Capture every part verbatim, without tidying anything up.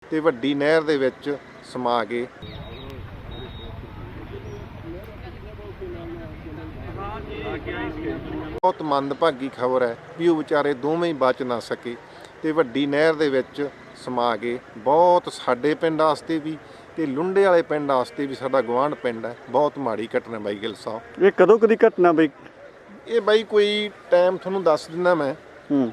ਤੇ ਵੱਡੀ ਨਹਿਰ ਦੇ ਵਿੱਚ ਸਮਾ ਗਏ। ਬਹੁਤ ਮੰਦਭਾਗੀ ਖਬਰ ਹੈ ਵੀ ਉਹ ਵਿਚਾਰੇ ਦੋਵੇਂ ਹੀ ਬਚ ਨਾ ਸਕੇ ਤੇ ਵੱਡੀ ਨਹਿਰ ਦੇ ਵਿੱਚ ਸਮਾ ਗਏ। ਬਹੁਤ ਸਾਡੇ ਪਿੰਡ ਵਾਸਤੇ ਵੀ ਤੇ ਲੁੰਡੇ ਵਾਲੇ ਪਿੰਡ ਵਾਸਤੇ ਵੀ, ਸਾਡਾ ਗੁਆਂਢ ਪਿੰਡ ਹੈ, ਬਹੁਤ ਮਾੜੀ ਘਟਨਾ ਬਾਈ ਗਿੱਲ ਸਾਹਿਬ। ਇਹ ਕਦੋਂ ਕਦੀ ਘਟਨਾ ਬਈ? ਇਹ ਬਾਈ ਕੋਈ ਟਾਈਮ ਤੁਹਾਨੂੰ ਦੱਸ ਦਿੰਦਾ ਮੈਂ। ਹੂੰ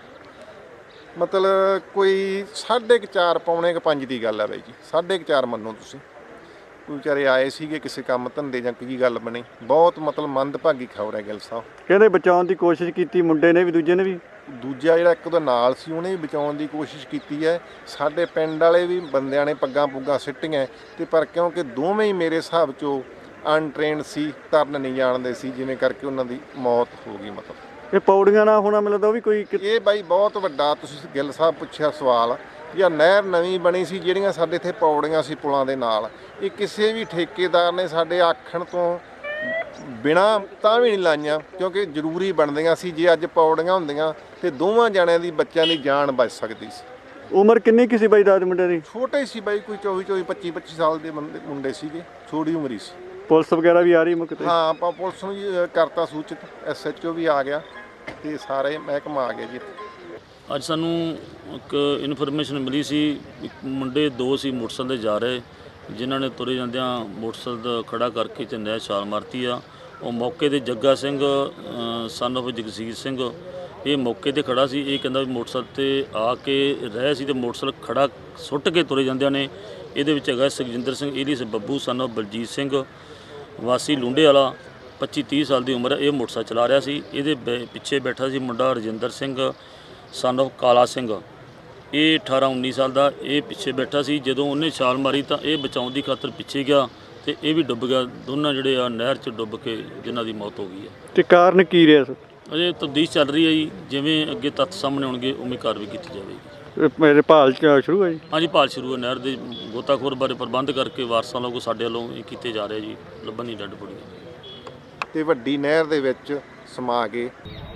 ਮਤਲਬ ਕੋਈ ਸਾਢੇ ਕੁ ਚਾਰ ਪੌਣੇ ਕੁ ਪੰਜ ਦੀ ਗੱਲ ਹੈ ਬਾਈ ਜੀ, ਸਾਢੇ ਕੁ ਚਾਰ ਮੰਨੋ ਤੁਸੀਂ। ਕੋਈ ਵਿਚਾਰੇ ਆਏ ਸੀਗੇ ਕਿਸੇ ਕੰਮ ਧੰਦੇ ਜਾਂ ਕੀ ਗੱਲ ਬਣੀ। ਬਹੁਤ ਮਤਲਬ ਮੰਦਭਾਗੀ ਖਬਰ ਹੈ ਗਿੱਲ ਸਾਹਿਬ। ਕਹਿੰਦੇ ਬਚਾਉਣ ਦੀ ਕੋਸ਼ਿਸ਼ ਕੀਤੀ ਮੁੰਡੇ ਨੇ ਵੀ, ਦੂਜੇ ਨੇ ਵੀ। ਦੂਜਾ ਜਿਹੜਾ ਇੱਕ ਉਹਦੇ ਨਾਲ ਸੀ ਉਹਨੇ ਵੀ ਬਚਾਉਣ ਦੀ ਕੋਸ਼ਿਸ਼ ਕੀਤੀ ਹੈ। ਸਾਡੇ ਪਿੰਡ ਵਾਲੇ ਵੀ ਬੰਦਿਆਂ ਨੇ ਪੱਗਾਂ ਪੁੱਗਾਂ ਸਿੱਟੀਆਂ ਤੇ ਪਰ ਕਿਉਂਕਿ ਦੋਵੇਂ ਹੀ ਮੇਰੇ ਹਿਸਾਬ 'ਚੋਂ ਅਨਟ੍ਰੇਨਡ ਸੀ, ਤਰਨ ਨਹੀਂ ਜਾਣਦੇ ਸੀ, ਜਿਵੇਂ ਕਰਕੇ ਉਹਨਾਂ ਦੀ ਮੌਤ ਹੋ ਗਈ। ਮਤਲਬ ਇਹ ਪੌੜੀਆਂ ਨਾ ਹੋਣਾ ਮੈਨੂੰ ਲੱਗਦਾ ਉਹ ਵੀ ਕੋਈ। ਇਹ ਬਾਈ ਬਹੁਤ ਵੱਡਾ ਤੁਸੀਂ ਗਿੱਲ ਸਾਹਿਬ ਪੁੱਛਿਆ ਸਵਾਲ। ਜਾਂ ਨਹਿਰ ਨਵੀਂ ਬਣੀ ਸੀ, ਜਿਹੜੀਆਂ ਸਾਡੇ ਇੱਥੇ ਪੌੜੀਆਂ ਸੀ ਪੁਲਾਂ ਦੇ ਨਾਲ, ਇਹ ਕਿਸੇ ਵੀ ਠੇਕੇਦਾਰ ਨੇ ਸਾਡੇ ਆਖਣ ਤੋਂ ਬਿਨਾਂ ਤਾਂ ਵੀ ਨਹੀਂ ਲਾਈਆਂ, ਕਿਉਂਕਿ ਜ਼ਰੂਰੀ ਬਣਦੀਆਂ ਸੀ। ਜੇ ਅੱਜ ਪੌੜੀਆਂ ਹੁੰਦੀਆਂ ਤੇ ਦੋਵਾਂ ਜਣਿਆਂ ਦੀ ਬੱਚਿਆਂ ਦੀ ਜਾਨ ਬਚ ਸਕਦੀ ਸੀ। ਉਮਰ ਕਿੰਨੀ ਕੀ ਸੀ ਬਾਈ ਦਾਦ ਮੁੰਡੇ ਦੀ? ਛੋਟੇ ਸੀ ਬਾਈ, ਕੋਈ ਚੌਵੀ ਚੌਵੀ ਪੱਚੀ ਪੱਚੀ ਸਾਲ ਦੇ ਬੰਦੇ ਮੁੰਡੇ ਸੀਗੇ, ਛੋਟੀ ਉਮਰ ਹੀ ਸੀ। ਪੁਲਿਸ ਵਗੈਰਾ ਵੀ ਆ ਰਹੀ ਮੁੱਕ ਤੇ? ਹਾਂ, ਆਪਾਂ ਪੁਲਿਸ ਨੂੰ ਜੀ ਕਰਤਾ ਸੂਚਿਤ, ਐਸ ਐਚ ਓ ਵੀ ਆ ਗਿਆ ਤੇ ਸਾਰੇ ਮਹਿਕਮਾ ਆ ਗਿਆ ਜੀ। ਅੱਜ ਸਾਨੂੰ ਇੱਕ ਇਨਫੋਰਮੇਸ਼ਨ ਮਿਲੀ ਸੀ, ਇੱਕ ਮੁੰਡੇ ਦੋ ਸੀ ਮੋਟਰਸਾਈਕਲ 'ਤੇ ਜਾ ਰਹੇ, ਜਿਨ੍ਹਾਂ ਨੇ ਤੁਰੇ ਜਾਂਦਿਆਂ ਮੋਟਰਸਾਈਕਲ ਦਾ ਖੜਾ ਕਰਕੇ ਤੇ ਨਹਿਰ ਛਾਲ ਮਾਰਤੀ ਆ। ਉਹ ਮੌਕੇ 'ਤੇ ਜੱਗਾ ਸਿੰਘ ਸਨ ਆਫ ਜਗਸੀਰ ਸਿੰਘ, ਇਹ ਮੌਕੇ 'ਤੇ ਖੜਾ ਸੀ। ਇਹ ਕਹਿੰਦਾ ਵੀ ਮੋਟਰਸਾਈਕਲ 'ਤੇ ਆ ਕੇ ਰਹਿ ਸੀ ਤੇ ਮੋਟਰਸਾਈਕਲ ਖੜਾ ਸੁੱਟ ਕੇ ਤੁਰੇ ਜਾਂਦਿਆਂ ਨੇ। ਇਹਦੇ ਵਿੱਚ ਹੈਗਾ Sukhjinder Singh alias Babbu son of Baljit Singh ਵਾਸੀ ਲੁੰਡੇ ਵਾਲਾ, ਪੱਚੀ ਤੀਹ ਸਾਲ ਦੀ ਉਮਰ ਹੈ। ਇਹ ਮੋਟਰਸਾਈਕਲ ਚਲਾ ਰਿਹਾ ਸੀ। ਇਹਦੇ ਪਿੱਛੇ ਬੈਠਾ ਸੀ ਮੁੰਡਾ ਰਜਿੰਦਰ ਸਿੰਘ ਸਨ ਆਫ ਕਾਲਾ ਸਿੰਘ, ਇਹ ਅਠਾਰਾਂ ਉੱਨੀ ਸਾਲ ਦਾ। ਇਹ ਪਿੱਛੇ ਬੈਠਾ ਸੀ। ਜਦੋਂ ਉਹਨੇ ਛਾਲ ਮਾਰੀ ਤਾਂ ਇਹ ਬਚਾਉਣ ਦੀ ਖਾਤਰ ਪਿੱਛੇ ਗਿਆ ਤੇ ਇਹ ਵੀ ਡੁੱਬ ਗਿਆ। ਦੋਨਾਂ ਜਿਹੜੇ ਆ ਨਹਿਰ 'ਚ ਡੁੱਬ ਕੇ ਜਿਨ੍ਹਾਂ ਦੀ ਮੌਤ ਹੋ ਗਈ ਹੈ। ਤੇ ਕਾਰਨ ਕੀ ਰਿਹਾ ਸਰ? ਅਜੇ ਤਫਤੀਸ਼ ਚੱਲ ਰਹੀ ਹੈ ਜੀ, ਜਿਵੇਂ ਅੱਗੇ ਤੱਥ ਸਾਹਮਣੇ ਆਉਣਗੇ ਉਵੇਂ ਕਾਰਵਾਈ ਕੀਤੀ ਜਾਵੇਗੀ। ਮੇਰੇ ਭਾਲ ਸ਼ੁਰੂ ਹੈ ਜੀ? ਹਾਂਜੀ, ਭਾਲ ਸ਼ੁਰੂ ਹੈ। ਨਹਿਰ ਦੇ ਗੋਤਾਖੋਰ ਬਾਰੇ ਪ੍ਰਬੰਧ ਕਰਕੇ ਵਾਰਸਾਂ ਵੱਲੋਂ ਸਾਡੇ ਵੱਲੋਂ ਇਹ ਕੀਤੇ ਜਾ ਰਹੇ ਜੀ, ਲੱਭਣ ਦੀ ਡੱਡ ਬੜੀ ਤੇ ਵੱਡੀ ਨਹਿਰ ਦੇ ਵਿੱਚ ਸਮਾ ਗਏ।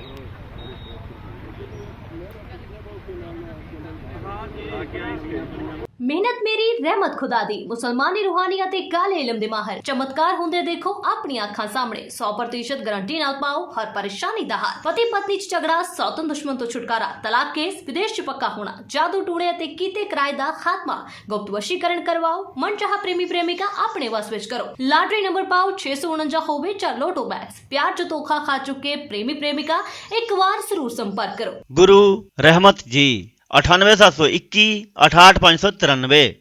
ਮਿਹਨਤ ਮੇਰੀ ਰਹਿਮਤ ਖੁਦਾ ਦੀ। ਮੁਸਲਮਾਨੀ ਰੂਹਾਨੀ ਅਤੇ ਕਾਲੇ ਇਲਮ ਦੇ ਮਾਹਰ ਚਮਤਕਾਰ ਹੁੰਦੇ ਦੇਖੋ ਆਪਣੀਆਂ ਅੱਖਾਂ ਸਾਹਮਣੇ। ਸੌ ਪ੍ਰਤੀਸ਼ਤ ਗਾਰੰਟੀ ਨਾਲ ਪਾਓ ਹਰ ਪਰੇਸ਼ਾਨੀ ਦਾ ਹੱਲ। ਪਤੀ ਪਤਨੀ ਚ ਝਗੜਾ, ਸੌਤਨ ਦੁਸ਼ਮਣ ਤੋਂ ਛੁਟਕਾਰਾ, ਤਲਾਕ ਕੇਸ, ਵਿਦੇਸ਼ ਚ ਪੱਕਾ ਹੋਣਾ, ਜਾਦੂ ਟੂਣੇ ਅਤੇ ਕੀਤੇ ਕਿਰਾਏ ਦਾ ਖਾਤਮਾ, ਗੁਪਤ ਵਸ਼ੀਕਰਨ ਕਰਵਾਓ, ਮਨਚਾਹਾ ਪ੍ਰੇਮੀ ਪ੍ਰੇਮਿਕਾ ਆਪਣੇ ਵਸ ਵਿੱਚ ਕਰੋ। ਲਾਟਰੀ ਨੰਬਰ ਪਾਓ ਛੇ ਸੌ ਉਣੰਜਾ ਹੋਵੇ ਜਾਂ ਲੋਟੋ ਬੈਗਸ। ਪਿਆਰ ਚ ਧੋਖਾ ਖਾ ਚੁੱਕੇ ਪ੍ਰੇਮੀ ਪ੍ਰੇਮਿਕਾ ਇੱਕ ਵਾਰ ਜ਼ਰੂਰ ਸੰਪਰਕ ਕਰੋ। गुरु रहमत जी अठानवे सात सौ इक्की अठाठ पाँच सौ तिरानवे।